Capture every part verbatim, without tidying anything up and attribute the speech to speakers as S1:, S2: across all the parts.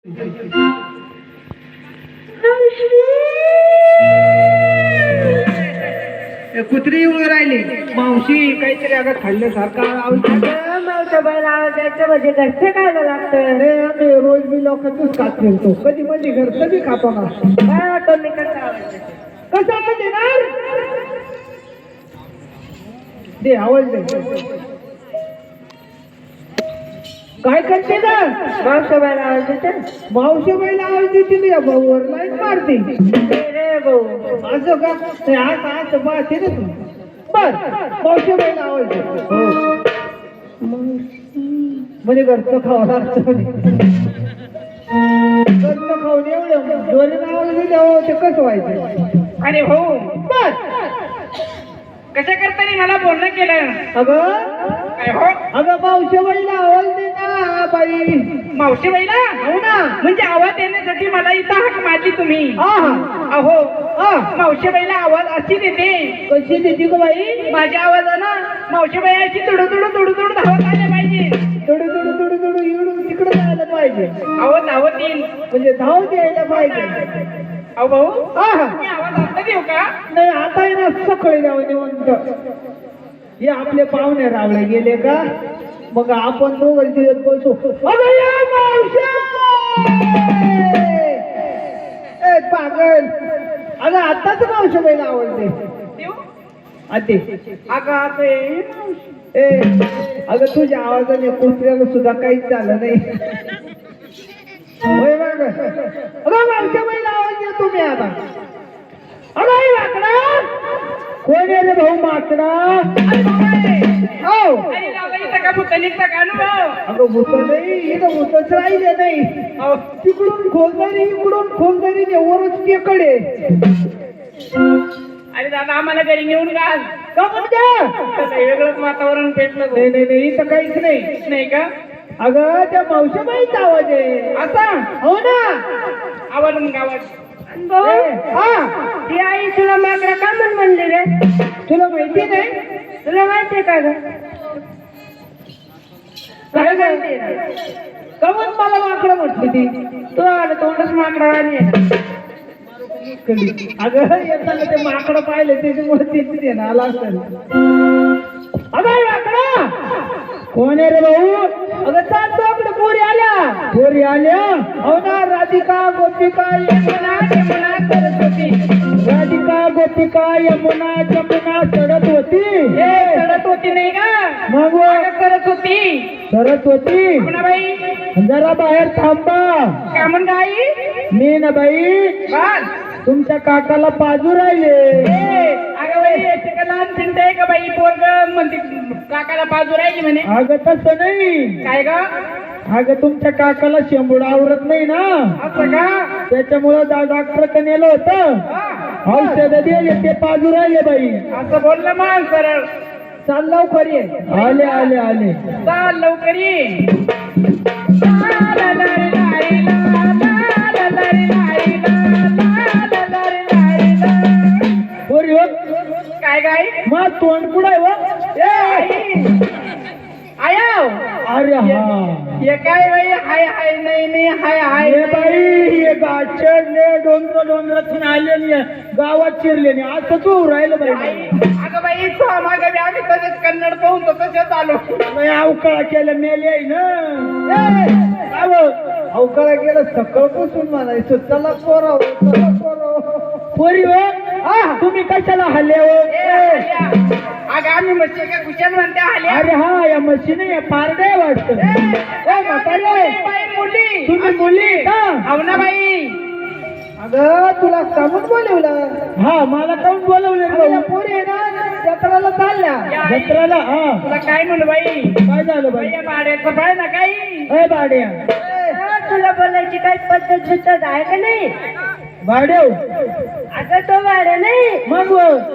S1: कुत्री येऊन राहिली मावशी काहीतरी अगं खाल्ल्यासारखा
S2: मावशा बाई लावायचं म्हणजे घरचे खायला लागतं.
S1: आम्ही रोज मी लोकांचंच खात फिरतो, कधी म्हणजे घरचं बी खातो ना.
S2: काय वाटतं मी कसं आवाज
S1: कसं आता देणार दे आवाज दे. काय करते ना
S2: मावशा बाई लावायचं
S1: मावशी बाईला आवाज देते या भाऊवर लाईन मारते
S2: रे भाऊ.
S1: असं का ते आज आज मारते ना तू बर मावशी बाईला आवाज दे. हो म्हणजे घरचं खावं लागतं घरचं खाऊन एवढं जोरीनं आवाज दिल्यावर ते कसं व्हायचं.
S3: अरे हो
S1: बर
S3: कशा करताना मला बोलणं केलं.
S1: अगं
S3: काय हो
S1: अगं मावशी बाईला आवाज दे ना बाई.
S3: मावशी बाईला
S1: हो ना
S3: म्हणजे आवाज देण्यासाठी मला इथं हाक मारली तुम्ही.
S1: हा हा
S3: अहो
S1: हा
S3: मावशी बाईला आवाज अशी देते
S1: कशी देते ग बाई.
S3: माझ्या आवाजानं मावशी बाई अशी तुडू तुडू तुडू तुडू धावत आल्या पाहिजे.
S1: थोडं थोडं थोडं थोडं इकडून तिकडे जायला पाहिजे
S3: अहो धावत येईल.
S1: म्हणजे धाव द्यायला पाहिजे.
S3: अहो भाऊ
S1: हा हा
S3: मी आवाज आता देऊ का.
S1: नाही आता आहे ना सकाळी जाऊ निवंत हे आपले पाहुणे रावळे गेले का मग आपण दोघं दिवस बसू. अगं या मावश्या! ए पागल अगं आताच मावशी बाईला आवडते
S3: देऊ
S1: आते.
S3: अगं आता ये.
S1: ए अगं तुझ्या आवाजाने कुत्र्याला सुद्धा काहीच झालं नाही. होय बघ अगं मावश्या बाईला आवाज देतो मी आता. अगं आई माकडा कोण आहे रे भाऊ माकडा. हो
S3: अरे लावा इथं का भूत निघतं का अनुभव.
S1: अगं भूत नाही इथं भूतच राहिले नाही.
S3: अहो
S1: तिकडून खोलदारी इकडून खोलदारी वरच टेकडे.
S3: अरे दादा आम्हाला घरी नेऊन घाल.
S1: का म्हणते
S3: कसं वेगळंच वातावरण पेटलं भाऊ.
S1: नाही नाही नाही इथं काहीच नाही.
S3: नाही का
S1: अगं त्या मावशीबाईचा आवाज आहे.
S3: असा
S1: हो ना
S3: आवाज मग आवाज.
S2: भाऊ
S1: ए, हा
S2: ती आई तुला माकडा का म्हण म्हणली रे.
S1: तुला माहिती नाही
S2: तुला माहितीये का ग.
S1: काय माहिती कमन मला माकडं म्हटली ती.
S3: तुला वाटत तोंडच माकडा आणि
S1: अगं येताना ते माकडं पाहिले त्याच्यामुळे तिथे देणार असेल. अगं हे माकडा कोण आहे रे भाऊ. अगं चालतो आपल्या पोरी आल्या पोरी आल्या. हो ना राधिका गोपिका यमुना यमुना सरत होती. राधिका गोपिका यमुना यमुना सरत होती.
S3: हे चढत होती नाही का
S1: मग
S3: मागं करत होती.
S1: सरत होती.
S3: म्हणा बाई
S1: जरा बाहेर थांबा.
S3: काय म्हण गाई
S1: मी ना बाई
S3: बस.
S1: तुमच्या काकाला पाजू राहिले.
S3: ए, अगं बाई याचे का लहान चिंता आहे का बाई पोरग म्हणते काकाला बाजू राहिली म्हणे.
S1: अगं तसं नाही.
S3: काय ग
S1: अगं तुमच्या काकाला शेंबूड आवरत नाही ना
S3: असं का.
S1: त्याच्यामुळं डॉक्टर कडे नेलं होतं.
S3: हा,
S1: औषध दिले ते पाजू राहिले बाई.
S3: असं बोललं मग सरळ.
S1: चाल लवकर ये. आले आले आले
S3: चाल लवकर ये. ला, ला, ला, रे, ला, रे, ला, ला, ला, ला, रे, ला, रे, ला, ला, ला, ला, रे, ला, रे, ला.
S1: पोरी हो
S3: काय गाय
S1: मग तोंड पुढे हो.
S3: आया
S1: अरे हा
S3: हे काय बाई हाय हाय नाही नाही हाय हाय
S1: हे बाई हे गाचरले डोंगर डोंगरातून आले नाही गावात शिरले नाही असं तू राहिलं बाई.
S3: अगं बाई तू मागे बी आम्ही तसेच कन्नड पाहून तर तसेच आलो.
S1: बाई अवकाळा केलं मेले आहे ना. अवकाळा केलं सकाळपासून म्हणायचं चला पोराव चला पोराव. पोरी हो हा तुम्ही कशाला हल्ले हो.
S3: ए, आल्या. अगं आम्ही मच्छी का कुशल म्हणते आल्या.
S1: अरे हा या मशीन पारडे वाटत.
S3: बाई मुली
S1: तुम्ही मुली का.
S3: हो ना बाई.
S1: अगं तुला कामून बोलवलं. हा मला कामून बोलवलं. पोरी आहे ना जत्राला चालल्या.
S3: या आई.
S1: जत्राला हा
S3: तुला काय म्हणू बाई
S1: काय झालं बाई.
S3: बाई भाड्याचं पाय ना काही.
S1: अय भाड्या
S2: हा, तुला बोलायची काही पद्धत बिद्धत आहे का नाही.
S1: भाड्याव
S2: अगं तो भाडे नाही.
S1: मग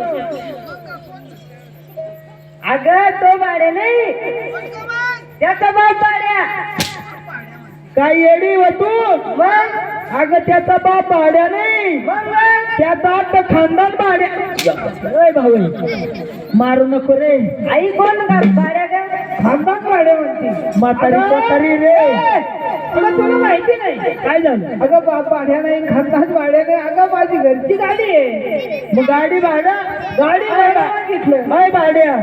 S2: अगं तो भाडे नाही त्याचा बाप भाड्या.
S1: काय येडी हो तू.
S2: मग
S1: अगं त्याचा बाप भाड्या नाही
S2: मग मग
S1: त्याचा आता खानदान भाड्या. अय भाऊ मारू नको रे.
S2: आई कोण का भाड्या का.
S1: खानदान भाड्या म्हणते म्हातारी
S2: अगं,
S1: म्हातारी रे.
S2: ए,
S1: अगं तुला माहिती नाही काय झालं? अगं बा भाड्या नाही खानदान भाड्या नाही. अगं माझी घरची गाडी आहे. मग गाडी भाडं गाडी भाडं मागितलं बाय भाड्या.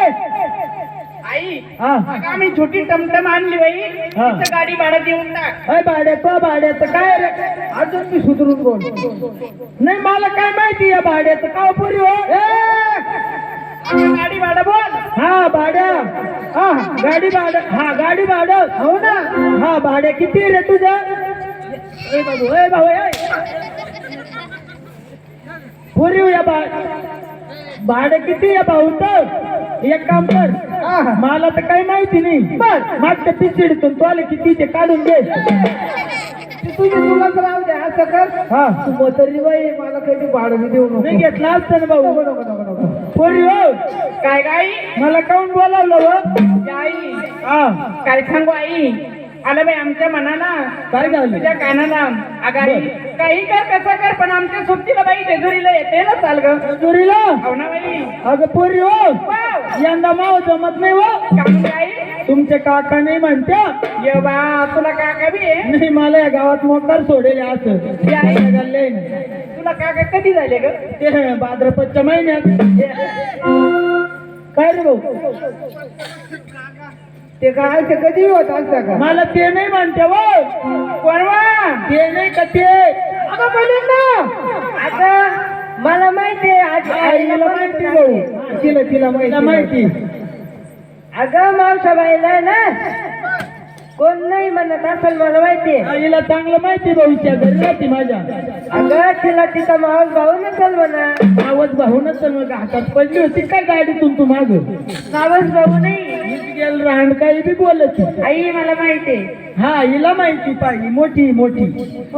S3: आई
S1: हा
S3: अगं आम्ही छोटी टमटम आणली बाई
S1: हा.
S3: तिचं गाडी भाडं देऊन टाक.
S1: अय भाड्याचं भाड्याचं काय रे? अजून मी सुधरून बोल. नाही मला काय माहिती या भाड्याचं का पुरी हो.
S3: अगं गाडी भाडं बोल.
S1: हा भाड्या हा गाडी भाडं हा गाडी भाडं हो ना. हा भाड्या किती रे तुझं? ए बाबू ए भाऊ ए पुरी या बा भाडं किती आहे भाऊ? तर एक काम कर मला तर काही माहिती नाही. बस मागच्या पिचिडीतून तू आले किती ते काढून घे. तुझी तुलाच राहू दे असं कर. हा तू मोतरी बाई मला कधी भाडं मी देऊ नको. नाही घेतला असतं ना भाऊ. नको नको नको पोरी हो
S3: काय गाई
S1: मला काऊन बोलावलं हो?
S3: आई
S1: हा
S3: काय सांगू आई आलं बाई आमच्या मनाला
S1: काय झालं?
S3: तुझ्या कानाला. अगं आई काही कर कसं कर पण आमच्या सोबतीला बाई जेजुरीला येते ना चाल ग.
S1: जेजुरीला?
S3: हो ना बाई.
S1: अगं पोरी हो
S3: वाव.
S1: यंदा माव जमत नाही हो.
S3: काय म्हणते आई?
S1: तुमचे काका नाही म्हणत्या.
S3: ये बा तुला काका बी आहे?
S1: नाही मला या गावात मोकार सोडेल असं.
S3: ये आई
S1: गल्ले
S3: तुला काका कधी झाले ग?
S1: ते भाद्रपदच्या महिन्यात. काय रे भाऊ? ते काय ते कधी होत असता का? मला ते नाही म्हणते हो.
S3: कोणवा?
S1: ते नाही का ते? अगं बोलेन ना.
S2: आता मला माहिती आहे आज
S1: आईला माहिती भाऊ. तिला तिला माहिती माहिती.
S2: अगं मावसाबाईला ना कोण नाही म्हणत असेल मला माहिती आहे.
S1: आईला चांगलं माहिती भाऊच्या घरी राहते माझ्या.
S2: अगं तिला तिचा मावस भाऊ नसेल म्हणा.
S1: आवाज भाऊनच तर मग हातात पडली होती काय गाडीतून तू माग?
S2: मावस भाऊ नाही.
S1: गेल राहण काही बी बोलत.
S2: आई मला माहिती आहे.
S1: हा हिला माहिती पाहिजे मोठी मोठी.
S2: हो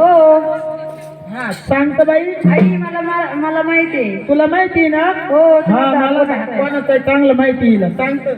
S1: हा सांगत बाई.
S2: आई मला मला- मला माहिती आहे.
S1: तुला माहिती ना?
S2: हो
S1: हा
S2: तुम्ही
S1: मला
S2: दाखवत आहे.
S1: कोणाचं चांगलं माहिती हिला सांगत.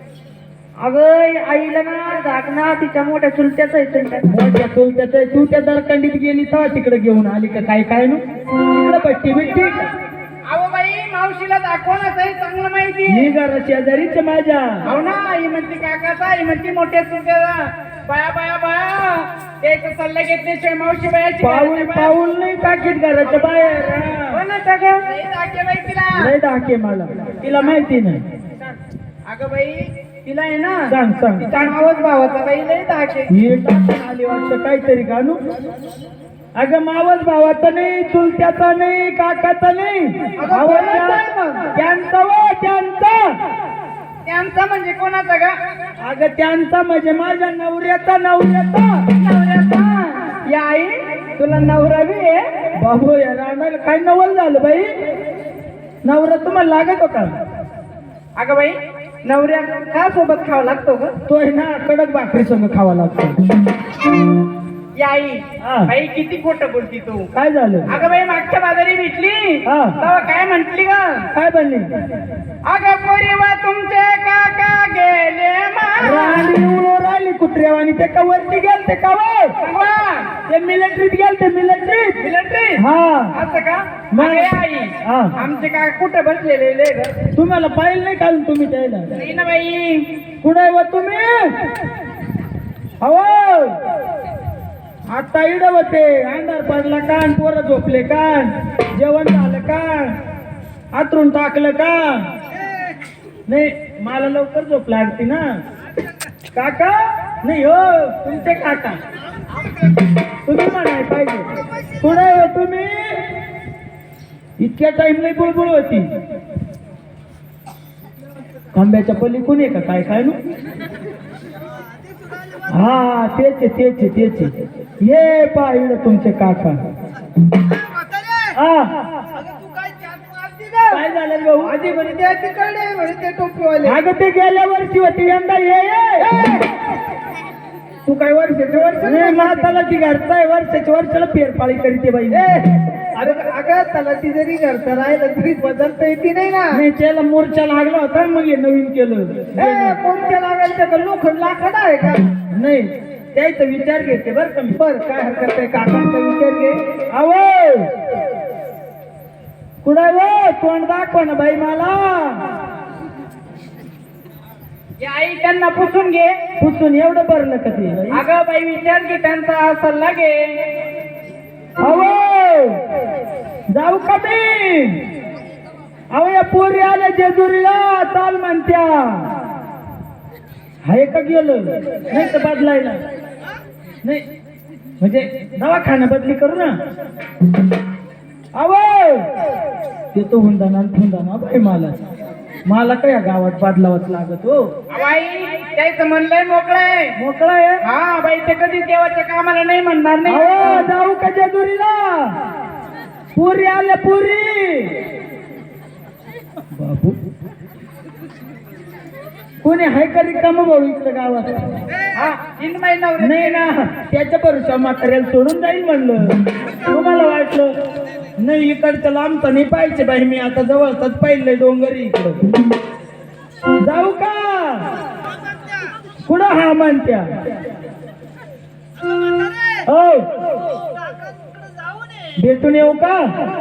S2: अगं आईला ना झाकणा तिच्या मोठ्या चुलत्याच आहे चुलत्याचा.
S1: मोठ्या चुलत्याचं तू त्या दरकंडीत गेली तेव्हा तिकडे घेऊन आली का काय काय नु तिकडे पट्टी बिट्टी.
S3: अहो बाई मावशीला दाखवणच आहे चांगलं माहिती आहे.
S1: मी घरा शेजारीच माझ्या.
S3: हो ना आई म्हणते काकाचा आई म्हणते मोठ्या चुलत्याचा. बाया बाया बाया त्याचा सल्ला घेतल्याशिवाय मावशी बायाची
S1: पाऊल
S3: घराच्या बाया-
S1: पाऊल नाही टाकीत घराच्या बाहेर.
S3: हो ना सगळं लई दाखे बाई तिला.
S1: नाही दाखे मला तिला माहिती नाही.
S3: अगं बाई तिला आहे ना
S1: सांग सांग.
S3: तिचा मावस भावाचा बाई लई दाखे.
S1: हे टाकून आली वाटतं काहीतरी कानू. अगं मावस भावाचा नाही चुलत्याचा नाही काकाचा नाही. भावाचा- त्यांचा व त्यांचा.
S3: त्यांचा म्हणजे कोणाचा ग?
S1: अगं त्यांचा म्हणजे माझ्या नवऱ्याचा नवऱ्याचा.
S3: नवऱ्याचा. या आई तुला नवरा बी आहे?
S1: बाबू या राणाला काय नवल झालं बाई? नवरा तुम्हाला लागत होता?
S3: अगं बाई नवऱ्या का सोबत खावा लागतो ग?
S1: तो आहे ना कडक भाकरी संग खावा लागतो.
S3: या आई
S1: हा.
S3: बाई किती खोटं बोलती तू.
S1: काय झालं?
S3: अगं बाई मागच्या बाजारी भेटली
S1: हा.
S3: तेव्हा काय म्हंटली ग?
S1: काय बनली?
S3: अगं पोरीवा तुमचे काका गेले मारा.
S1: राणी उडून राहिली कुत्र्यावानी. ते का वरती गेल ते का वर?
S3: सांगवा.
S1: ते मिलिटरीत गेल ते मिलिटरीत.
S3: मिलिटरी
S1: हा
S3: असं का?
S1: मग-
S3: अगं या आई
S1: हा.
S3: आमचे काका कुठे बसलेले ग?
S1: तुम्हाला पाहिलं नाही काढून तुम्ही त्याला?
S3: नाही ना बाई.
S1: कुठे व तुम्ही? हो आता इड होते. अंधार पडला कान पोरं झोपले कान जेवण झालं का? आतरून टाकलं का? नाही मला लवकर झोप लागते ना. काका नाही हो तुमचे काका. तुम्ही म्हणाय पाहिजे. कुठे हो तुम्ही? इतक्या टाइम नाही बुळबुळ होती. खांब्याच्या पलीकडून आहे का काय काय नु? हा तेच आहे, तेच आहे, तेच आहे. ये पाहिलं तुमचे काका. हा काय झालं भाऊ?
S3: आधी म्हणे ते तिकडे म्हणे ते टोपीवाले.
S1: अगं ते गेल्या वर्षी होती यंदा ये ये.
S3: तू काय वर्षाचे वर्ष
S1: नाही माताला ती घरचा आहे वर्षाच्या वर्षाला फेरपाळी करते बाई.
S3: अरे अगं त्याला ती जरी घरचं राहिलं तरी बदलता येते नाही ना.
S1: नाही त्याला मोर्चा लागला होता मग हे नवीन केलं.
S3: ए, कोणत्या लागायचं का लोखंड लाकड आहे का?
S1: नाही त्याचा विचार घेते बरं का मी.
S3: बर काय हरकत आहे काकांचा विचार घे.
S1: आवो कुठे वो तोंड दाखव ना बाई मला.
S3: हे आई त्यांना पुसून घे.
S1: पुसून एवढं भरलं का ते
S3: अगं बाई विचार की त्यांचा सल्ला घे.
S1: अहो जाऊ का मी? अहो या पोरी आल्या जेजुरीला चाल म्हणत्या. हाय का गेलं नाही तर बदलायला नाही म्हणजे दवाखाना बदली करू ना. अहो येतो हुंदाना हुंदाना बाई मला मला काय या गावात बदलावच लागत हो.
S3: बाई त्याचं म्हणलंय मोकळं आहे.
S1: मोकळा आहे.
S3: हा बाई ते कधी देवाच्या कामाला नाही म्हणणार नाही.
S1: अहो जाऊ का जेजुरीला? पुरी आल्या पुरी. बाबू कोणी हाय का रिकामं भाऊ इकडे गावात?
S3: हा तीन महिना
S1: नाही ना त्याच्या भरोशा म्हाताऱ्याला सोडून जाईल म्हणलं. तुम्हाला वाटलं नाही इकडचं लांबचं नाही पाहिजे बाई. मी आता जवळच पाहिलंय डोंगरी इकडं. जाऊ का? कुठं हा म्हणत्या? हो भेटून येऊ का?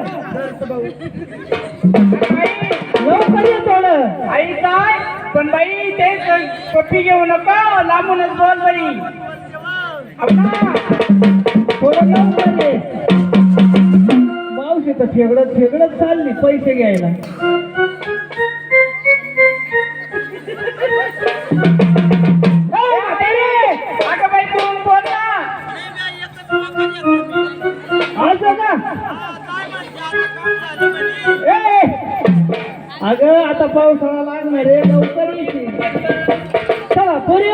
S1: येऊ का ये थोडं?
S3: आई काय पण बाई ते कॉफी घेऊ नका लांबूनच बोल बाई. अप्पा,
S1: थोडं येऊ का रे? मावशी तर फेगडत फेगडत चालली पैसे घ्यायला.
S3: अगं बाई तू बोल ना.
S1: असं का? ए, अगं आता पावसाळा लागणार रे लवकर येते. चला पुरी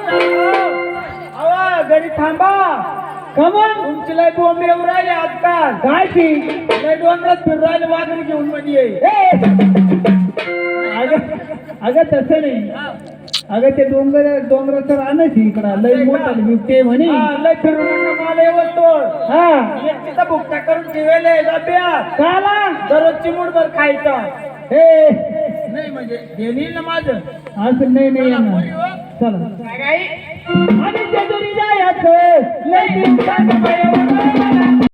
S3: अवा घरी थांबा.
S1: कमन
S3: तुमची लय बोंबे येऊ राहिले आजकाल.
S1: काय ती
S3: लय डोंगरात फिरू राहिले वाघरी घेऊन म्हणजे.
S1: अगं अगं तसं नाही. अगं ते डोंगर डोंगराचं राहणं इकडं लय मोठं बिबटे म्हणे.
S3: लय फिरू नका मला येवतो.
S1: हा
S3: एकटीचा भुकटा करून ठेवले डब्यात.
S1: काला
S3: दररोज चिमूटभर खायचा.
S1: हे
S3: नाही म्हणजे देईल ना माझं.
S1: असं नाही नाही येणार. चला
S3: काय
S1: आणि जेजुरी जायचं लय दिवसानं बाई